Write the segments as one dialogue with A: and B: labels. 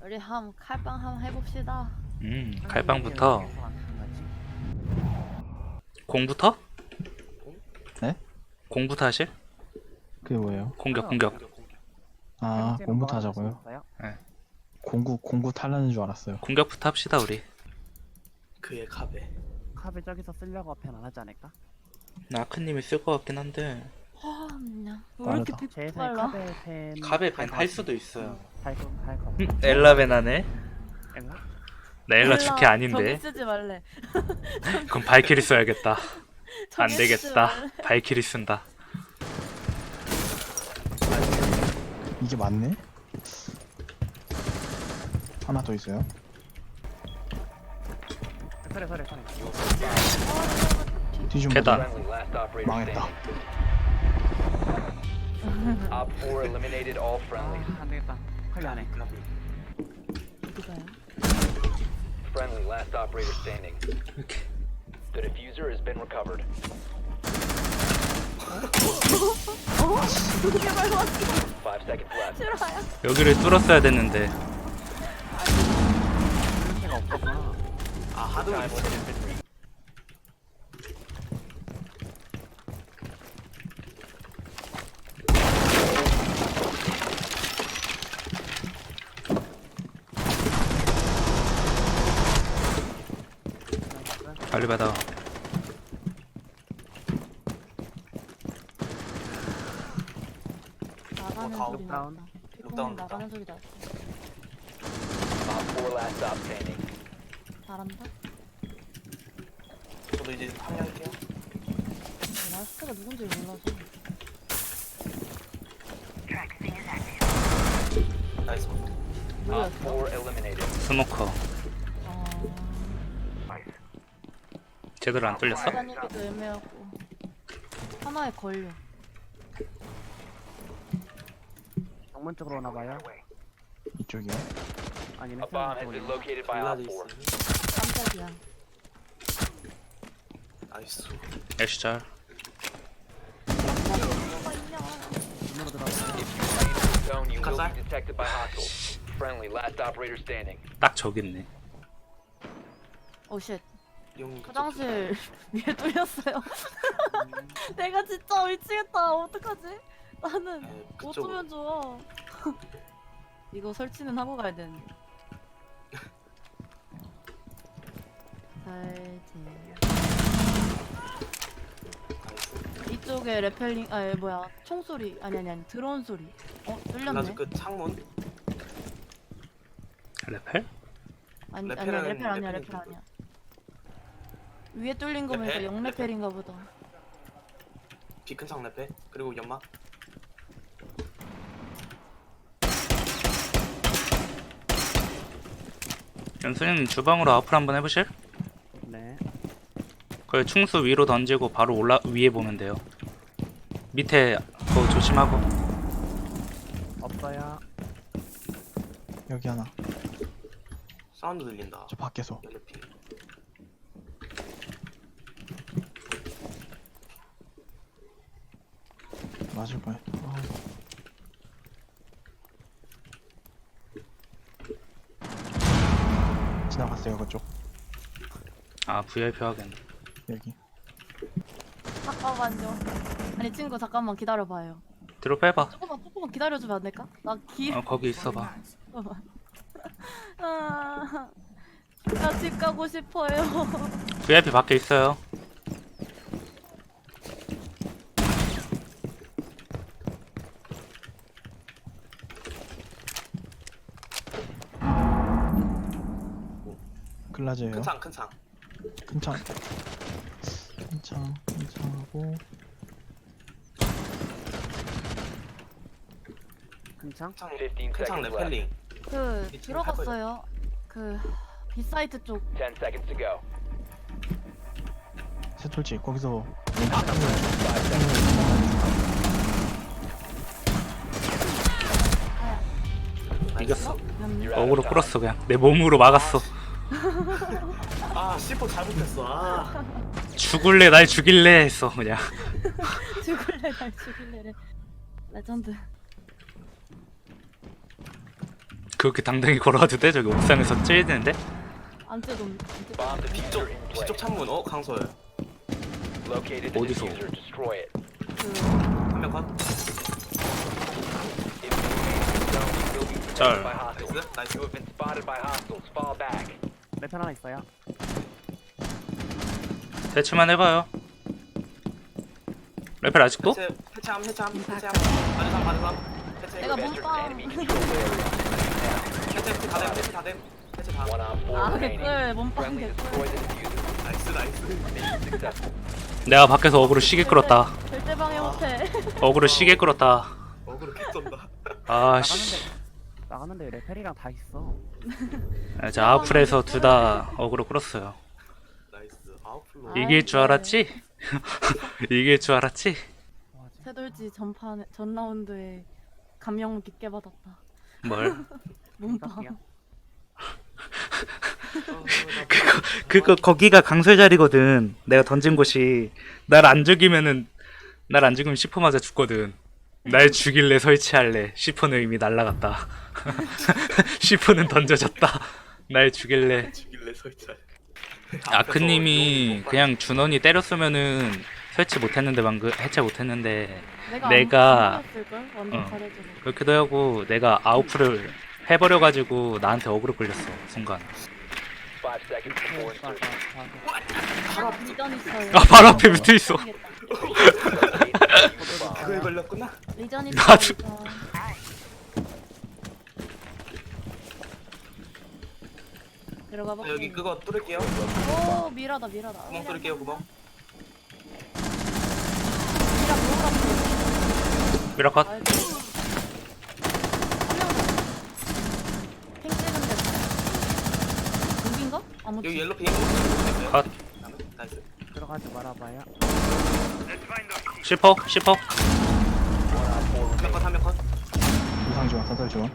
A: 우리 칼빵 한번 해봅시다.
B: 칼빵부터. 공부터?
C: 네?
B: 공부터 하실?
C: 그게 뭐예요?
B: 공격.
C: 아, 공부터 하자고요?
B: 네.
C: 공구 탈라는 줄 알았어요.
B: 공격부터 합시다 우리.
D: 그의 카베.
E: 카베 저기서 쓰려고 편 안 하지 않을까?
B: 아크님이 쓸 것 같긴 한데.
A: 그냥 왜 이렇게
C: 빠르다.
E: 제
A: 픽
E: 예상에
A: 빨라?
E: 카베 펜
B: 카베 밴 할 수도 있어요.
E: 할거
B: 엘라벤 하네.
E: 엘라?
B: 나 엘라 주캐 아닌데.
A: 저기 쓰지 말래.
B: 그럼 발키리 써야겠다. 안
A: 저기 쓰지
B: 되겠다.
A: 말래.
B: 발키리 쓴다.
C: 이게 맞네? 하나 더 있어요.
E: 그래
C: 뒤좀
B: 계단.
C: 망했다.
F: Op 4 eliminated all friendlies.
E: 안 되겠다 칼리 안해
A: 누가요?
F: Friendly last operator standing.
B: 이렇게.
F: The diffuser has been recovered.
A: 그게 말로 왔어.
F: 5 seconds left.
A: 싫어요.
B: 여기를 뚫었어야 됐는데.
E: 냄새가 없었구나.
D: 아 하드웨어.
F: Time limit has been reached.
B: 빨리 받아.
A: 나가는
D: 다운.
A: 소리
E: 록다운.
A: 났다.
D: 록다운,
A: 나가는 소리 났어.
F: Op 4 last stop standing.
A: 잘한다.
D: 저도 이제 합류할게요.
A: 라스트가 누군지 몰라서.
D: 나이스.
F: Op
A: 누구였어?
F: 4 eliminated.
B: 스모커.
A: 아,
B: 제대로 안 뚫렸어?
A: 다니기도 애매하고. 하나에 걸려.
E: 정문 쪽으로 오나봐요.
C: 이쪽이요.
E: 아니네
F: A bomb has been located by
D: 블라드
F: Op 4.
D: 있어요.
A: 깜짝이야.
D: 나이스.
B: 애쉬잘.
A: 뭐가 있냐?
E: 문으로 들어가.
F: If you remain in the zone, you will
D: Kazak?
F: be detected by hostiles. Friendly last operator standing.
B: 딱 저기 있네.
A: 오 쉣.
D: 용.
A: 화장실 위에 뚫렸어요. 내가 진짜 미치겠다. 어떡하지? 나는
D: 네,
A: 못
D: 그쪽으로.
A: 오면 좋아. 이거 설치는 하고 가야 되는데. 설치.
D: 나이스.
A: 이쪽에 레펠링 뭐야 총소리 아니 드론 소리. 뚫렸네.
D: 블라드 끝 창문.
B: 레펠?
A: 아니
D: 레펠은
A: 레펠 아니야
D: 레펠인
A: 레펠 아니야. 위에 뚫린 거 보니까
D: 레펠?
A: 영레펠인가 보다.
D: 비큰 창 레페. 그리고 연막.
B: 연수님 주방으로 아웃풀 한번 해보실?
E: 네.
B: 그 충수 위로 던지고 바로 위에 보면 돼요. 밑에 그거 조심하고.
E: 없어요.
C: 여기 하나.
D: 사운드 들린다.
C: 저 밖에서.
D: 연래피.
C: 맞을 거야. 지나갔어요 그쪽.
B: 아 VIP 하겠네.
C: 여기.
A: 잠깐만요. 아니 친구 잠깐만 기다려봐요.
B: 뒤로 빼봐.
A: 조금만 기다려주면 안 될까?
B: 거기 있어봐.
A: 잠깐만. 나 집 가고 싶어요.
B: VIP 밖에 있어요.
C: 글라즈예요.
D: 큰 창, 큰 창.
C: 큰창. 큰창하고
E: 큰창?
D: 창.
F: 15
D: 큰 창
F: seconds left.
D: 레펠링.
A: 그
D: 미친
A: 들어갔어요. 그 B사이트 쪽.
F: 10 seconds to go.
C: 새돌지 거기서
B: 이겼어.
A: 음,
F: You're out
B: 어그로
F: of time.
B: 끌었어 그냥. 내 몸으로 막았어.
D: 아 C4 잘못했어. 아.
B: 죽을래 날 죽일래 했어 그냥.
A: 죽을래 날 죽일래래. 레전드.
B: 그렇게 당당히 걸어와도 돼? 저기 옥상에서 찔리는데?
A: 안 뜯어.
F: Bomb diffuser in
D: 뒤쪽
F: place.
D: 창문 강소열.
F: Located the
B: 어디서?
F: diffuser. Destroy it.
A: 그
D: 한 명 컷.
F: If you remain in the zone, you will be detected
B: 짤.
F: by hostiles.
D: 나이스. 나이스.
F: You have been spotted by hostiles. Fall back.
E: 랩 하나 있어요.
B: 대치만 해봐요. 레펠 아직도?
D: 해체함. 바르삼. 해체.
A: 내가
F: You've entered
A: 몸빵.
F: enemy controlled area.
D: 해체 다 됨. 해체 다.
F: One on four
A: 아
F: remaining.
A: 개꿀 몸빵
F: Friendly
A: 개꿀.
F: destroy the diffuser.
D: 나이스.
F: Mission successful.
B: 내가 밖에서 어그로 시계 끌었다.
A: 절대 방해 못해.
B: 어그로 시계 끌었다.
D: 어그로 개
B: 아씨.
E: 나가는데 레펠이랑 다 있어.
B: 자 아웃풀에서 둘 다 어그로 끌었어요.
D: 나이스. 아웃플로.
A: 아.
B: 이길 줄 알았지? 이길 줄 알았지?
E: 와, 진짜.
A: 새돌지 전 라운드에 감명 깊게 받았다.
B: 뭘?
A: 몸빵.
E: 깜짝이야.
B: 그거 거기가 강설 자리거든. 내가 던진 곳이 날 안 죽이면 10% 맞아 죽거든. 날 죽일래 설치할래. 10%는 이미 날라갔다. 10%는 던져졌다. 날 죽일래.
D: 죽일래 설치.
B: 아크님이 그냥 준원이 때렸으면은 설치 못했는데 방금 해체 못했는데
A: 내가
B: 내가-
A: 걸 완전
B: 어.
A: 잘해주고.
B: 그렇기도 하고 내가 아웃풀을 해버려가지고 나한테 어그로 끌렸어 순간.
F: 5 seconds before insertion.
A: 리전 있어요.
B: 아 바로 앞에 붙어 있어.
D: 그거에 걸렸구나.
A: 리전
B: 나도-
A: 있어. 들어가 봐.
D: 여기 그거 뚫을게요.
A: 오 미라다.
D: 구멍 뚫을게요. 구멍.
A: 미라 뭐가
B: 미라컷.
A: 아이고. 핑 찍은데. 여긴가? 아무튼.
D: 여기 옐로 핑.
B: 컷.
D: 나이스.
E: 들어가지 말아봐요.
B: 10%?
D: 한 명 컷.
C: 이상 지원, 사설 지원.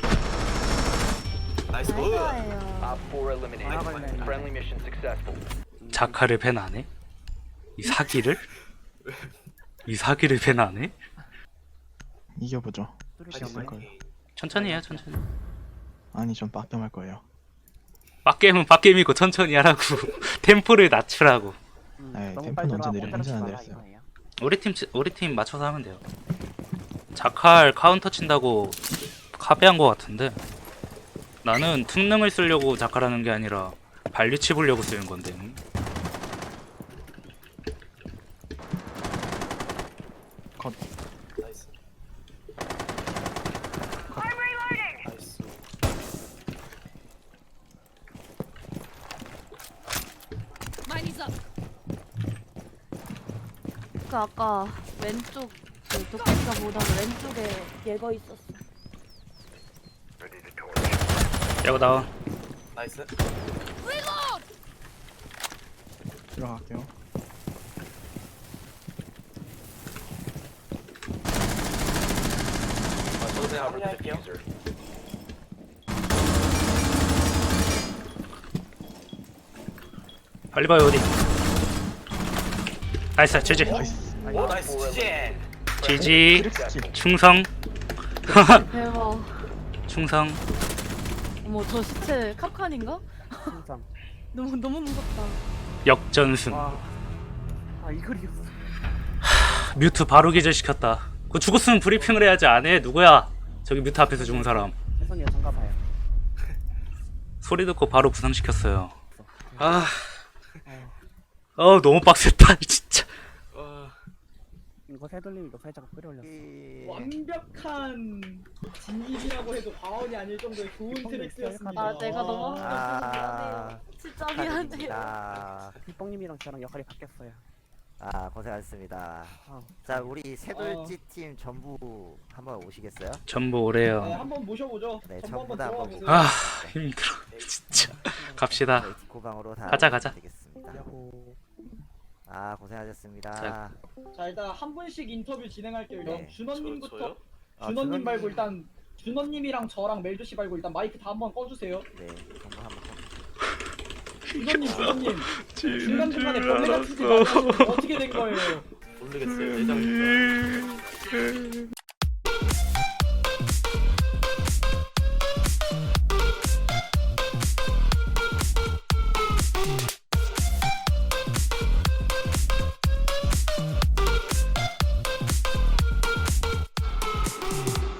D: 나이스. 굿.
A: 나이스예요.
F: Op 4 eliminated. Friendly mission successful.
B: 자카를 밴 안 해? 이 사기를? 이 사기를 밴 안 해?
C: 이겨보죠.
E: 뚫을
C: 수
E: 게
C: 있을
E: 없네.
C: 거예요.
B: 천천히 해요 천천히.
C: 아니, 전 빡겜할 거예요.
B: 빡겜은 빡겜이고 천천히 하라고. 템포를 낮추라고.
C: 에이,
E: 너무
C: 템포는
E: 빨리
C: 언제
E: 들어가고
C: 내려-
E: 때려치지
C: 언제나
E: 마라,
C: 내렸어요.
E: 이거예요.
B: 우리 팀 맞춰서 하면 돼요. 자칼 카운터 친다고 카베한 거 같은데 나는 특능을 쓰려고 자칼하는 게 아니라 발리치 보려고 쓰는 건데.
C: 컷.
D: 나이스. 나이스.
A: 그 아까 왼쪽 그 도끼가 보다가 왼쪽에 얘가 있었어.
B: 야구 나와.
D: 나이스.
C: 들어갈게요.
D: 저도 그냥
F: Cover the
D: 합류할게요.
F: diffuser.
B: 빨리 봐요 어디. 나이스 지지.
C: 나이스.
D: 오 나이스. 지지.
B: 지지.
C: 크리스치.
B: 충성.
A: 대박.
B: 충성.
A: 어머 저 시체 캅칸인가?
E: 진짜.
A: 너무 무섭다.
B: 역전승.
E: 와. 아 이글이었어.
B: 뮤트 바로 기절시켰다. 그 죽었으면 브리핑을 해야지 안 해. 누구야? 저기 뮤트 앞에서 죽은 사람.
E: 혜성이가 장가봐요.
B: 소리 듣고 바로 부상시켰어요. 아,
E: 어.
B: 너무 빡셌다 진짜.
E: 이거 새돌림 이거 살짝 끌어올렸어.
G: 완벽한 진입이라고 해도 과언이 아닐 정도의 좋은 트랙스였습니다.
A: 아 내가 너무
H: 아,
A: 미안해요. 진짜 미안해요.
H: 축하드립니다.
E: 휘뽕님이랑 저랑 역할이 바뀌었어요.
H: 아, 고생하셨습니다.
E: 아,
H: 자, 우리 새돌지 팀 전부 한번 오시겠어요?
B: 전부
G: 네,
B: 오래요.
G: 한번 모셔보죠.
H: 네,
G: 전부
H: 전부
G: 한번
H: 다
G: 들어가
H: 한번
G: 보세요.
B: 아 힘들어 진짜. 갑시다.
H: 저희 디코방으로 다
B: 가자.
H: 되겠습니다.
E: 야호.
H: 아, 고생하셨습니다.
B: 자,
G: 자 일단 한 분씩 인터뷰 진행할게요. 일단
H: 네.
G: 준원님부터.
D: 저요?
H: 아,
G: 준원님 말고 일단 준원님이랑 저랑 멜조씨 말고 일단 마이크 다 한번 꺼주세요.
H: 네, 전부 한번
G: 준원님. 중간중간에 벌레 같은 짓 많이 하시는데 어떻게 된 거예요?
D: 모르겠어요. 예정입니다.